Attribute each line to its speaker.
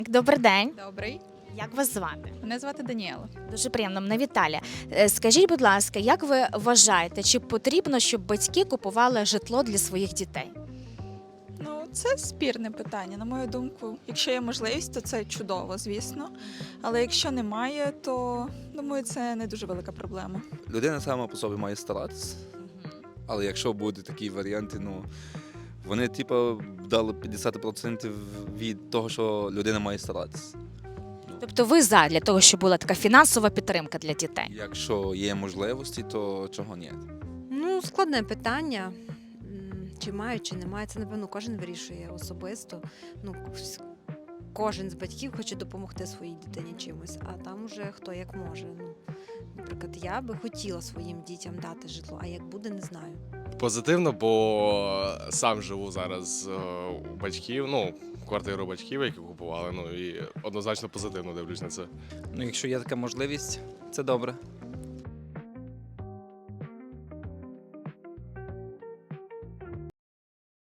Speaker 1: Добрий день.
Speaker 2: Добрий.
Speaker 1: Як вас звати?
Speaker 2: Мене звати Даніела.
Speaker 1: Дуже приємно, мене Віталія. Скажіть, будь ласка, як ви вважаєте, чи потрібно, щоб батьки купували житло для своїх дітей?
Speaker 2: Ну, це спірне питання. На мою думку, якщо є можливість, то це чудово, звісно. Але якщо немає, то думаю, це не дуже велика проблема.
Speaker 3: Людина сама по собі має старатися. Але якщо будуть такі варіанти, ну вони типу дали 50% від того, що людина має старатися.
Speaker 1: Тобто ви за для того, щоб була така фінансова підтримка для дітей?
Speaker 3: Якщо є можливості, то чого ні?
Speaker 4: Ну, складне питання. Чи мають, чи немає, це, напевно, кожен вирішує особисто. Ну, кожен з батьків хоче допомогти своїй дитині чимось, а там уже хто як може. Ну, наприклад, я би хотіла своїм дітям дати житло, а як буде, не знаю.
Speaker 5: Позитивно, бо сам живу зараз у батьків, ну, квартиру батьків, які купували, ну і однозначно позитивно дивлюсь на це.
Speaker 6: Ну, якщо є така можливість, це добре.